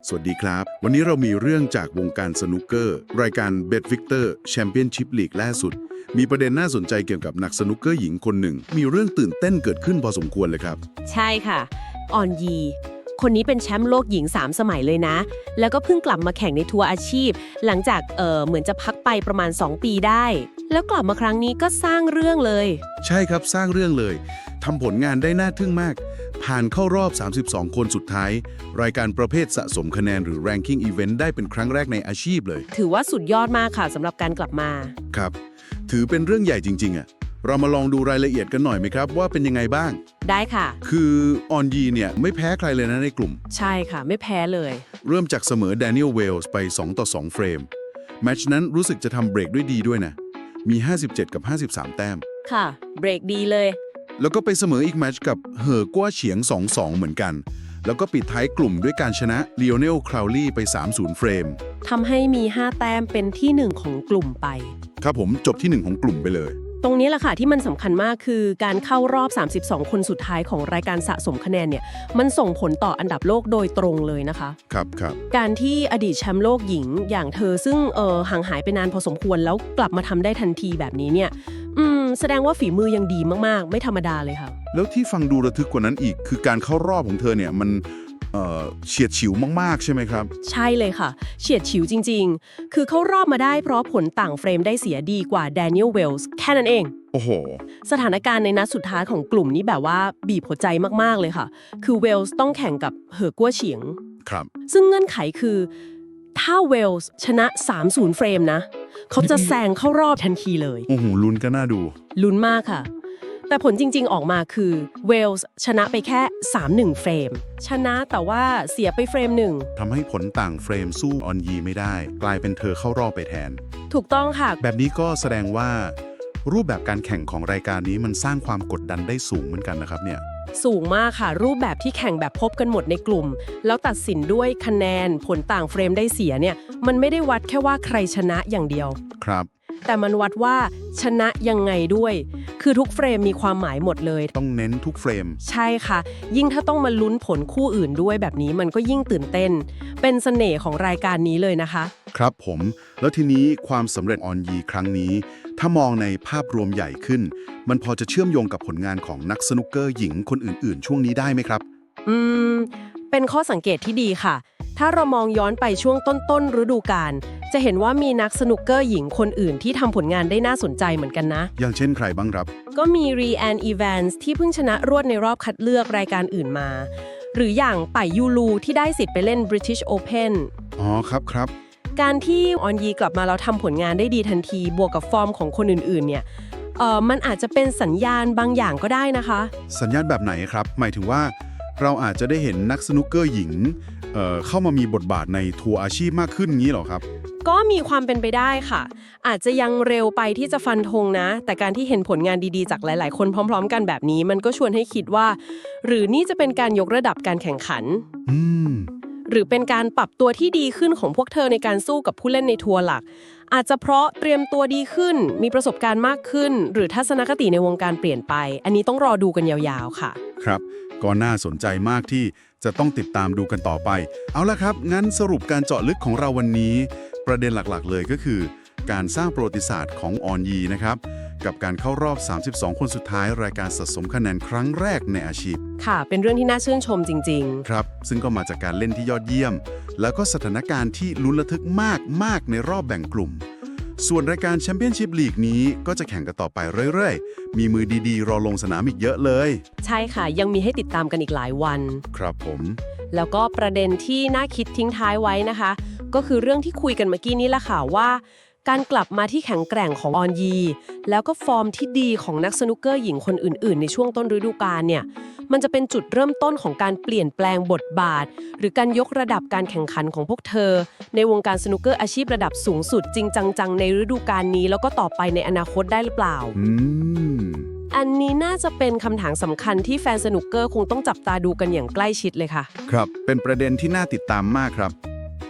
สวัสดีครับ วันนี้เรามีเรื่องจากวงการสนุกเกอร์รายการ Bet Victor Championship League ล่าสุด มีประเด็นน่าสนใจเกี่ยวกับนักสนุกเกอร์หญิงคนหนึ่ง มีเรื่องตื่นเต้นเกิดขึ้นพอสมควรเลยครับใช่ค่ะออนยี คนนี้เป็นแชมป์โลกหญิง 3 สมัยเลยนะ แล้วก็เพิ่งกลับมาแข่งในทัวร์อาชีพ หลังจากเหมือนจะพักไปประมาณ 2 ปีได้ แล้วกลับมาครั้งนี้ก็สร้างเรื่องเลยใช่ครับสร้างเรื่องเลยทำผลงานได้น่าทึ่งมาก ผ่านเข้ารอบ 32 คนสุดท้าย รายการประเภทสะสมคะแนนหรือ Ranking Event ได้เป็นครั้งแรกในอาชีพเลยถือว่าสุดยอดมากค่ะสำหรับการกลับมาครับ ถือเป็นเรื่องใหญ่จริงๆอะเรามาลองดูรายละเอียดกันหน่อยไหมครับว่าเป็นยังไงบ้างได้ค่ะคือออนยีเนี่ยไม่แพ้ใครเลยนะในกลุ่มใช่ค่ะไม่แพ้เลยเริ่มจากเสมอแดเนียลเวลส์ไป2-2 เฟรม แมตช์นั้นรู้สึกจะทำเบรกด้วยดีด้วยนะ มี 57 กับ 53 แต้มค่ะเบรกดีเลยแล้วก็ไปเสมออีกแมตช์กับเหอกัวเฉียง 2-2 เหมือนกัน แล้วก็ปิดท้ายกลุ่มด้วยการชนะลีโอเนลคราวลีไป 3-0 เฟรมทำให้มี 5 แต้มเป็นที่ 1 ของกลุ่มไปครับผมจบที่ 1 ของกลุ่มไปเลยตรงนี้แหละค่ะที่มันสำคัญมากคือการเข้ารอบ 32 คนสุดท้ายของรายการสะสมคะแนนเนี่ยมันส่งผลต่ออันดับโลกโดยตรงเลยนะคะครับการที่อดีตแชมป์โลกหญิงอย่างเธอซึ่งห่างหายไปนานพอสมควรแล้วกลับมาทำได้ทันทีแบบนี้เนี่ยแสดงว่าฝีมือยังดีมากๆไม่ธรรมดาเลยค่ะแล้วที่ฟังดูระทึกกว่านั้นอีก คือการเข้ารอบของเธอเนี่ยมันเฉียดฉิวมากๆใช่ไหมครับใช่เลยค่ะเฉียดฉิวจริงๆคือเขารอบมาได้เพราะผลต่างเฟรมได้เสียดีกว่าแดเนียลเวลส์แค่นั้นเองโอ้โหสถานการณ์ในนัดสุดท้ายของกลุ่มนี้แบบว่าบีบหัวใจมากๆเลยค่ะคือเวลส์ต้องแข่งกับเหอกัวเฉียงครับซึ่งเงื่อนไขคือถ้าเวลส์ชนะ 3-0 เฟรมนะเขาจะแซงเข้ารอบทันทีเลยโอ้โหลุ้นก็น่าดูลุ้นมากค่ะ แต่ผลจริงๆออกมาคือเวลส์ชนะไปแค่ 3-1 เฟรม ชนะแต่ว่าเสียไปเฟรมหนึ่งทำให้ผลต่างเฟรมสู้ออนยีไม่ได้ กลายเป็นเธอเข้ารอบไปแทนถูกต้องค่ะแบบนี้ก็แสดงว่า รูปแบบการแข่งของรายการนี้มันสร้างความกดดันได้สูงเหมือนกันนะครับเนี่ยสูงมากค่ะ รูปแบบที่แข่งแบบพบกันหมดในกลุ่ม แล้วตัดสินด้วยคะแนนผลต่างเฟรมได้เสียเนี่ยมันไม่ได้วัดแค่ว่าใครชนะอย่างเดียวครับแต่มันวัดว่าชนะยังไงด้วย คือทุกเฟรมมีความหมายหมดเลยต้องเน้นทุกเฟรมใช่ค่ะ ยิ่งถ้าต้องมาลุ้นผลคู่อื่นด้วยแบบนี้มันก็ยิ่งตื่นเต้น เป็นเสน่ห์ของรายการนี้เลยนะคะครับผม แล้วทีนี้ความสำเร็จออนยีครั้งนี้ ถ้ามองในภาพรวมใหญ่ขึ้น มันพอจะเชื่อมโยงกับผลงานของนักสนุกเกอร์หญิงคนอื่นๆ ช่วงนี้ได้ไหมครับเป็นข้อสังเกตที่ดีค่ะ ถ้าเรามองย้อนไปช่วงต้นฤดูกาลจะเห็นว่ามีนักสนุกเกอร์หญิงคนอื่นที่ทำผลงานได้น่าสนใจเหมือนกันนะอย่างเช่นใครบ้างครับก็มีรีแอนอีแวนส์ที่เพิ่งชนะรวดในรอบคัดเลือกรายการอื่นมา หรืออย่างป่ายยูลูที่ได้สิทธิ์ไปเล่น British Open อ๋อครับการที่ออนยีกลับมาแล้วทำผลงานได้ดีทันทีบวกกับฟอร์มของคนอื่นๆเนี่ยมันอาจจะเป็นสัญญาณบางอย่างก็ได้นะคะสัญญาณแบบไหนครับ หมายถึงว่าเราอาจจะได้เห็นนักสนุกเกอร์หญิงเข้ามามีบทบาทในทัวร์อาชีพมากขึ้นงี้เหรอครับก็มีความเป็นไปได้ค่ะ อาจจะยังเร็วไปที่จะฟันธงนะ แต่การที่เห็นผลงานดีๆจากหลายๆคนพร้อมๆกันแบบนี้มันก็ชวนให้คิดว่า หรือนี่จะเป็นการยกระดับการแข่งขัน หรือเป็นการปรับตัวที่ดีขึ้นของพวกเธอในการสู้กับผู้เล่นในทัวร์หลัก อาจจะเพราะเตรียมตัวดีขึ้น มีประสบการณ์มากขึ้น หรือทัศนคติในวงการเปลี่ยนไป อันนี้ต้องรอดูกันยาวๆค่ะครับก็น่าสนใจมากที่จะต้องติดตามดูกันต่อไป เอาละครับ งั้นสรุปการเจาะลึกของเราวันนี้ ประเด็นหลักๆเลยก็คือ การสร้างประวัติศาสตร์ของออนยีนะครับ กับการเข้ารอบ 32 คนสุดท้ายรายการสะสมคะแนนครั้งแรกในอาชีพค่ะ เป็นเรื่องที่น่าชื่นชมจริงๆครับ ซึ่งก็มาจากการเล่นที่ยอดเยี่ยม แล้วก็สถานการณ์ที่ลุ้นระทึกมากในรอบแบ่งกลุ่ม ส่วนรายการแชมเปี้ยนชิพลีกนี้ก็จะแข่งกันต่อไปเรื่อยๆ มีมือดีๆ รอลงสนามอีกเยอะเลยใช่ค่ะ ยังมีให้ติดตามกันอีกหลายวันครับผมแล้วก็ประเด็นที่น่าคิดทิ้งท้ายไว้นะคะ ก็คือเรื่องที่คุยกันเมื่อกี้นี้แหละค่ะว่า การกลับมาที่แข็งแกร่งของออนยีแล้วก็ฟอร์มที่ดีของนักสนุกเกอร์หญิงคนอื่นๆในช่วงต้นฤดูกาลเนี่ยมันจะเป็นจุดเริ่มต้นของการเปลี่ยนแปลงบทบาท หรือการยกระดับการแข่งขันของพวกเธอ ในวงการสนุกเกอร์อาชีพระดับสูงสุดจริงจังๆในฤดูกาลนี้แล้วก็ต่อไปในอนาคตได้หรือเปล่า อันนี้น่าจะเป็นคำถามสำคัญที่แฟนสนุกเกอร์คงต้องจับตาดูกันอย่างใกล้ชิดเลยค่ะครับ เป็นประเด็นที่น่าติดตามมากครับ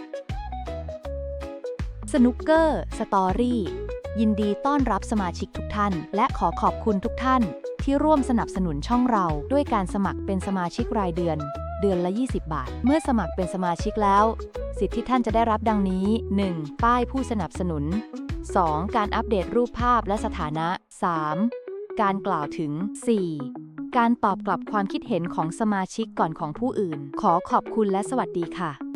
สนุกเกอร์สตอรี่ยินดีต้อนรับสมาชิกทุกท่าน และขอขอบคุณทุกท่านที่ร่วมสนับสนุนช่องเราด้วยการสมัครเป็นสมาชิกรายเดือนเดือนละ 20 บาท เมื่อสมัครเป็นสมาชิกแล้ว สิทธิที่ท่านจะได้รับดังนี้ 1. ป้ายผู้สนับสนุน 2. การอัปเดตรูปภาพและสถานะ 3. การกล่าวถึง 4. การตอบกลับความคิดเห็นของสมาชิกก่อนของผู้อื่น ขอขอบคุณและสวัสดีค่ะ